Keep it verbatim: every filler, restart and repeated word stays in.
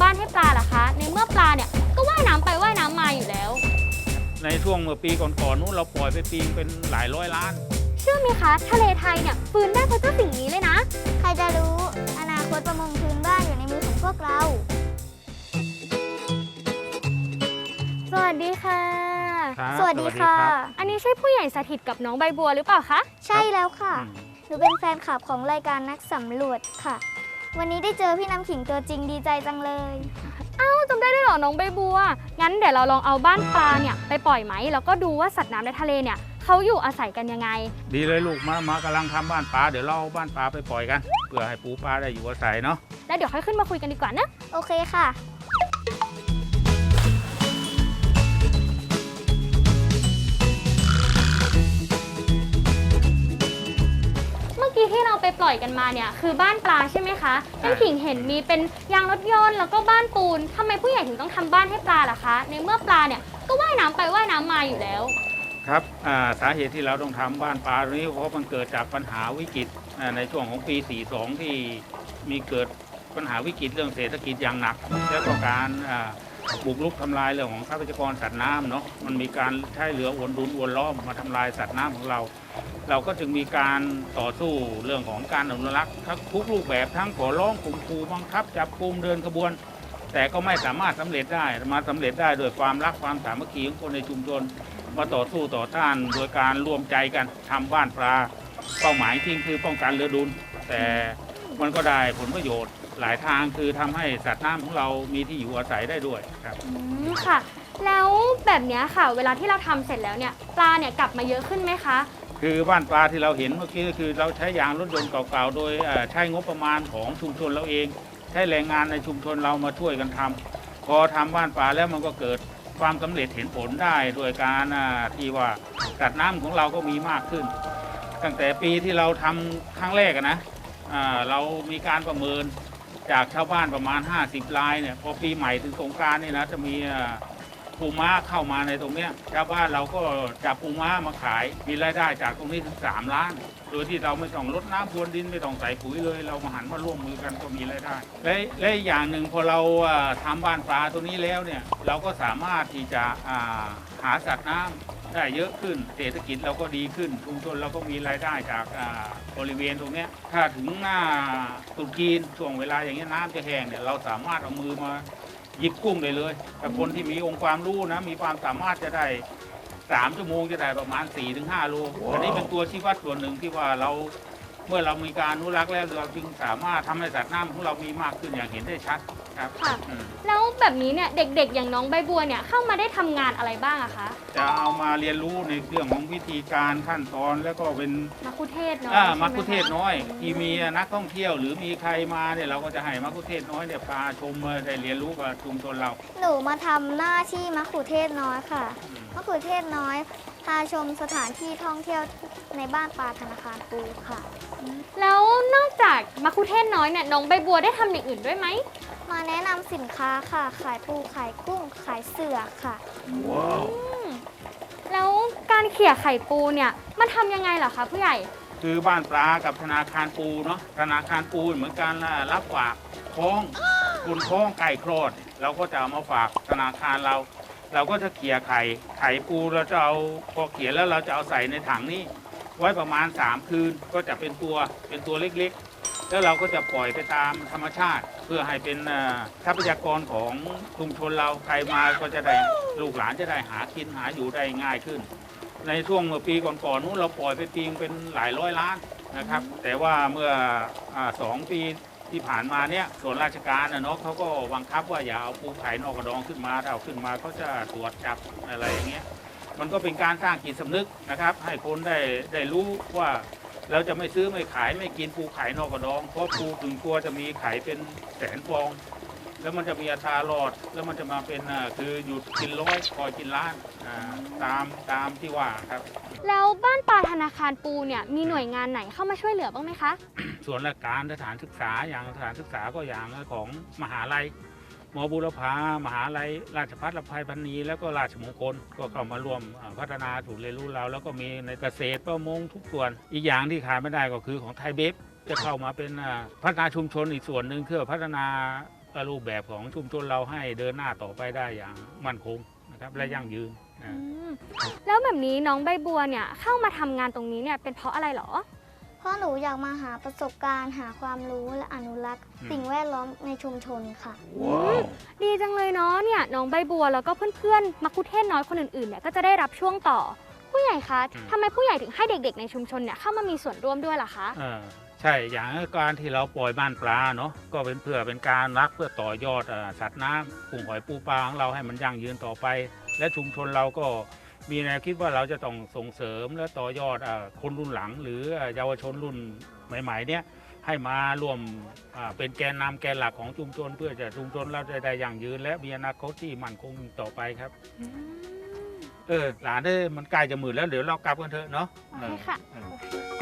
บ้านให้ปลาล่ะคะในเมื่อปลาเนี่ยก็ว่ายน้ำไปว่ายน้ำมาอยู่แล้วในช่วงเมื่อปีก่อนๆนู้นเราปล่อยไปปีเป็นหลายร้อยล้านเชื่อไหมคะทะเลไทยเนี่ยฟื้นได้เพราะเจ้าสิ่งนี้เลยนะใครจะรู้อนาคตประมงพื้นบ้านอยู่ในมือของพวกเราสวัสดีค่ะสวัสดีค่ะอันนี้ใช่ผู้ใหญ่สถิตกับน้องใบบัวหรือเปล่าคะใช่แล้วค่ะหนูเป็นแฟนคลับของรายการนักสำรวจค่ะวันนี้ได้เจอพี่น้ำขิงตัวจริงดีใจจังเลยเอ้าจำได้ด้วยเหรอน้องใบบัวงั้นเดี๋ยวเราลองเอาบ้านปลาเนี่ยไปปล่อยไหมแล้วก็ดูว่าสัตว์น้ำในทะเลเนี่ยเขาอยู่อาศัยกันยังไงดีเลยลูกมามากำลังทำบ้านปลาเดี๋ยวเราเอาบ้านปลาไปปล่อยกันเพื่อให้ปูปลาได้อยู่อาศัยเนาะแล้วเดี๋ยวค่อยขึ้นมาคุยกันดีกว่านะโอเคค่ะที่เราไปปล่อยกันมาเนี่ยคือบ้านปลาใช่ไหมคะน้ำขิงเห็นมีเป็นยางรถยนต์แล้วก็บ้านปูนทำไมผู้ใหญ่ถึงต้องทำบ้านให้ปลาล่ะคะในเมื่อปลาเนี่ยก็ว่ายน้ำไปว่ายน้ำมาอยู่แล้วครับสาเหตุที่เราต้องทำบ้านปลาตรงนี้เพราะมันเกิดจากปัญหาวิกฤตในช่วงของปีสี่สิบสองที่มีเกิดปัญหาวิกฤตเรื่องเศรษฐกิจอย่างหนักแล้วก็การบุกรุกทำลายเรื่องของทรัพยากรสัตว์น้ำเนาะมันมีการใช้เรืออวนดุนอวนล้อมมาทำลายสัตว์น้ำของเราเราก็จึงมีการต่อสู้เรื่องของการอนุรักษ์ทั้งทุกรูปแบบทั้งขอร้องข่มขู่บังคับจับกุมเดินขบวนแต่ก็ไม่สามารถสำเร็จได้มาสำเร็จได้โดยความรักความสามัคคีของคนในชุมชนมาต่อสู้ต่อต้านโดยการร่วมใจกันทำบ้านปลาเป้าหมายจริงคือป้องกันเรือดุนแต่มันก็ได้ผลประโยชน์หลายทางคือทำให้สัตว์น้ำของเรามีที่อยู่อาศัยได้ด้วยครับอืมค่ะแล้วแบบนี้ค่ะเวลาที่เราทำเสร็จแล้วเนี่ยปลาเนี่ยกลับมาเยอะขึ้นไหมคะคือบ้านปลาที่เราเห็นเมื่อกี้ก็คือเราใช้ยางรถยนต์เก่าๆโดยใช้งบประมาณของชุมชนเราเองใช้แรงงานในชุมชนเรามาช่วยกันทำพอทำบ้านปลาแล้วมันก็เกิดความสำเร็จเห็นผลได้โดยการที่ว่าสัตว์น้ำของเราก็มีมากขึ้นตั้งแต่ปีที่เราทำครั้งแรกนะเรามีการประเมินจากชาวบ้านประมาณห้าสิบรายเนี่ยพอปีใหม่ถึงสงกรานต์นี่นะจะมีปูม้าเข้ามาในตรงนี้ชาวบ้านเราก็จับปูม้ามาขายมีรายได้จากตรงนี้ถึงสามล้านโดยที่เราไม่ต้องลดน้ำพรวนดินไม่ต้องใส่ปุ๋ยเลยเรามาหันมาร่วมมือกันก็มีรายได้และและอย่างหนึ่งพอเราทำบ้านปลาตัวนี้แล้วเนี่ยเราก็สามารถที่จะหาสัตว์น้ำได้เยอะขึ้นเศรษฐกิจเราก็ดีขึ้นชุมชนเราก็มีรายได้จากบริเวณตรงนี้ถ้าถึงหน้าตรุษจีนช่วงเวลาอย่างนี้น้ำจะแห้งเนี่ยเราสามารถเอามือมาหยิบกุ้งได้เลยแต่คนที่มีองค์ความรู้นะมีความสามารถจะได้สามชั่วโมงจะได้ประมาณ สี่ถึงห้า โลอันนี้เป็นตัวชี้วัดส่วนหนึ่งที่ว่าเราเมื่อเรามีการอนุรักษ์แล้วเราจึงสามารถทำให้สัตว์น้ำของเรามีมากขึ้นอย่างเห็นได้ชัดครับค่ะแล้วแบบนี้เนี่ยเด็กๆอย่างน้องใบบัวเนี่ยเข้ามาได้ทำงานอะไรบ้างอะคะจะเอามาเรียนรู้ในเรื่องของวิธีการขั้นตอนแล้วก็เป็นมัคคุเทศน้อยมัคคุเทศน้อยที่มีนักท่องเที่ยวหรือมีใครมาเนี่ยเราก็จะให้มัคคุเทศน้อยเนี่ยพาชมได้เรียนรู้กับชุมชนเราหนูมาทำหน้าที่มัคคุเทศน้อยค่ะมัคคุเทศน้อยพาชมสถานที่ท่องเที่ยวในบ้านปลาธนาคารปูค่ะแล้วนอกจากมัคคุเทศน้อยเนี่ยน้องใบบัวได้ทำอย่างอื่นด้วยไหมมาแนะนำสินค้าค่ะขายปูขายกุ้งขายเสือค่ะว้าวแล้วการเขี่ยไข่ปูเนี่ยมันทำยังไงเหรอคะผู้ใหญ่คือบ้านปลากับธนาคารปูเนาะธนาคารปูเหมือนกันรับฝากคล้องคุณคล้องไก่คลอดเราก็จะเอามาฝากธนาคารเราเราก็จะเขี่ยไข่ไข่ปูเราจะเอาพอเขี่ยแล้วเราจะเอาใส่ในถังนี้ไว้ประมาณสามคืนก็จะเป็นตัวเป็นตัวเล็กๆแล้วเราก็จะปล่อยไปตามธรรมชาติเพื่อให้เป็นทรัพยากรของชุมชนเราใครมาก็จะได้ลูกหลานจะได้หากินหาอยู่ได้ง่ายขึ้นในช่วงเมื่อปีก่อนๆนู้นเราปล่อยไปปีเป็นหลายร้อยล้านนะครับแต่ว่าเมื่อสองปีที่ผ่านมาเนี่ยส่วนราชการนะเนาะเขาก็บังคับว่าอย่าเอาปูไข่นอกกระดองขึ้นมาถ้าเอาขึ้นมาเขาจะตรวจจับอะไรอย่างเงี้ยมันก็เป็นการสร้างจิตสำนึกนะครับให้คนได้ได้รู้ว่าเราจะไม่ซื้อไม่ขายไม่กินปูไข่นอกกระดองเพราะปูถึงตัวจะมีไข่เป็นแสนฟองแล้วมันจะมีอัตรารอดแล้วมันจะมาเป็นคือหยุดกินร้อยคอยกินล้านตามตามที่ว่าครับแล้วบ้านปลาธนาคารปูเนี่ยมีหน่วยงานไหนเข้ามาช่วยเหลือบ้างไหมคะส่วนราชการสถานศึกษาอย่างสถานศึกษาก็อย่างของมหาลัยมบุรพามหาลัยราชภัฏลำไพพรรณีแล้วก็ราชมงคลก็เข้ามาร่วมพัฒนาศูนย์เรียนรู้เราแล้วก็มีในเกษตรประมงทุกส่วนอีกอย่างที่ขาดไม่ได้ก็คือของไทยเบฟจะเข้ามาเป็นพัฒนาชุมชนอีกส่วนหนึ่งเพื่อพัฒนารูปแบบของชุมชนเราให้เดินหน้าต่อไปได้อย่างมั่นคงนะครับและยั่งยืนนะอืมแล้วแบบนี้น้องใบบัวเนี่ยเข้ามาทำงานตรงนี้เนี่ยเป็นเพราะอะไรเหรอเพราะหนูอยากมาหาประสบการณ์ หาความรู้และอนุรักษ์อืมสิ่งแวดล้อมในชุมชนค่ะว้าวดีจังเลยเนาะเนี่ยน้องใบบัวแล้วก็เพื่อนๆมักคุเทศน้อยคนอื่นๆเนี่ยก็จะได้รับช่วงต่อ ผู้ใหญ่คะทำไมผู้ใหญ่ถึงให้เด็กๆในชุมชนเนี่ยเข้ามามีส่วนร่วมด้วยล่ะคะเออใช่อย่างการที่เราปล่อยบ้านปลาเนาะก็เป็นเพื่อเป็นการรักเพื่อต่อยอดเอ่อสัตว์น้ำกุ้งหอยปูปลาของเราให้มันยั่งยืนต่อไป และชุมชนเราก็มีแนวคิดว่าเราจะต้องส่งเสริมและต่อยอดเอ่อคนรุ่นหลัง หรือเอ่อเยาวชนรุ่นใหม่ๆเนี่ยให้มาร่วมอ่าเป็นแกนนำแกนหลักของชุมชน เพื่อจะชุมชนเราจะได้ยั่งยืน และมีอนาคตที่มั่นคงต่อไปครับอืมเออหลานเอ้ยมันใกล้จะมืดแล้วเดี๋ยวเรากลับกันเถอะเนาะโอเคค่ะเออ